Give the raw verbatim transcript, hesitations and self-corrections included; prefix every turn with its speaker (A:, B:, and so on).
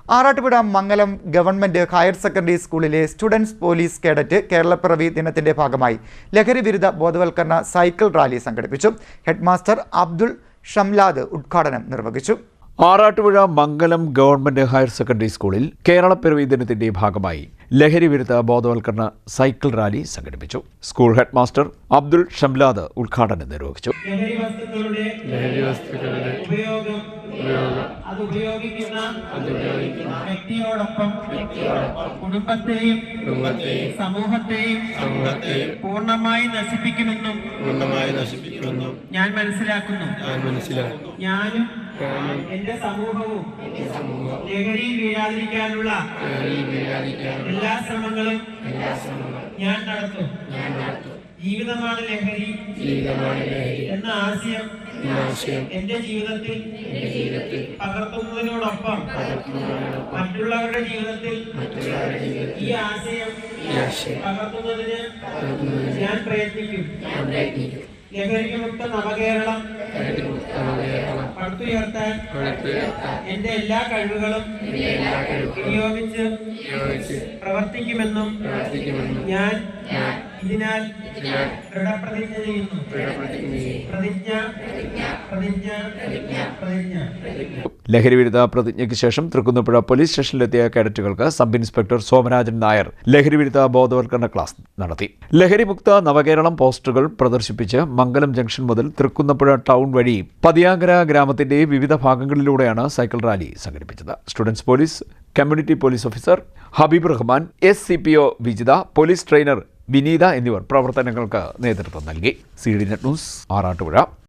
A: Arattupuzha Mangalam government higher secondary സ്കൂളിലെ students police cadet Keralappiravi ദിനത്തിന്റെ ഭാഗമായി ലഹരി വിരുദ്ധ ബോധവൽക്കരണ സൈക്കിൾ റാലി സംഘടിപ്പിച്ചു. ഹെഡ്മാസ്റ്റർ അബ്ദുൾ ഷംലാദ് ഉദ്ഘാടനം നിർവഹിച്ചു.
B: Arattupuzha Mangalam government higher secondary സ്കൂളിൽ കേരളപ്പിറവി ദിനത്തിന്റെ ഭാഗമായി ലഹരി വിരുദ്ധ ബോധവൽക്കരണ സൈക്കിൾ റാലി സംഘടിപ്പിച്ചു. സ്കൂൾ ഹെഡ്മാസ്റ്റർ അബ്ദുൾ ഷംലാദ് ഉദ്ഘാടനം നിർവഹിച്ചു.
C: ലഹരി വസ്തുക്കളുടെ ഉപയോഗം അത് ഉപയോഗിക്കുന്ന വ്യക്തിയോടൊപ്പം കുടുംബത്തെയും സമൂഹത്തെയും പൂർണ്ണമായി നശിപ്പിക്കുമെന്നും പൂർണ്ണമായി നശിപ്പിക്കുമെന്നും ഞാൻ മനസ്സിലാക്കുന്നു ഞാൻ മനസ്സിലാക്കുന്നു ഞാനും എന്റെ സമൂഹവും ലഹരിയിൽ വീഴാതിരിക്കാനുള്ള എല്ലാ ശ്രമങ്ങളും ഞാൻ നടത്തും. ജീവിതമാണ് ലഹരി എന്ന ആശയം എന്റെ ജീവിതത്തിൽ പകർത്തുന്നതിനോടൊപ്പം മറ്റുള്ളവരുടെ ജീവിതത്തിൽ ഈ ആശയം പകർത്തുന്നതിന് ഞാൻ പ്രയത്നിക്കും. ലഹരിമുക്ത നവകേരളം പടുത്തുയർത്താൻ എന്റെ എല്ലാ കഴിവുകളും വിനിയോഗിച്ച് പ്രവർത്തിക്കുമെന്നും ഞാൻ ഇതിനാൽ ദൃഢപ്രതിജ്ഞ ചെയ്യുന്നു. പ്രതിജ്ഞ പ്രതിജ്ഞ പ്രതിജ്ഞ.
B: ലഹരി വിരുദ്ധ പ്രതിജ്ഞയ്ക്ക് ശേഷം തൃക്കുന്നപ്പുഴ പോലീസ് സ്റ്റേഷനിലെത്തിയ കേഡറ്റുകൾക്ക് സബ് ഇൻസ്പെക്ടർ സോമരാജൻ നായർ ലഹരി വിരുദ്ധ ബോധവൽക്കരണ ക്ലാസ് നടത്തി. ലഹരിമുക്ത നവകേരളം പോസ്റ്ററുകൾ പ്രദർശിപ്പിച്ച് മംഗലം ജംഗ്ഷൻ മുതൽ തൃക്കുന്നപ്പുഴ ടൗൺ വഴി പതിയാങ്കര ഗ്രാമത്തിന്റെ വിവിധ ഭാഗങ്ങളിലൂടെയാണ് സൈക്കിൾ റാലി സംഘടിപ്പിച്ചത്. Students police community police officer Habeeb Rahman, S C P O Vijitha, police trainer Vineetha എന്നിവർ പ്രവർത്തനങ്ങൾക്ക് നേതൃത്വം നൽകി. C D net news, Arattupuzha.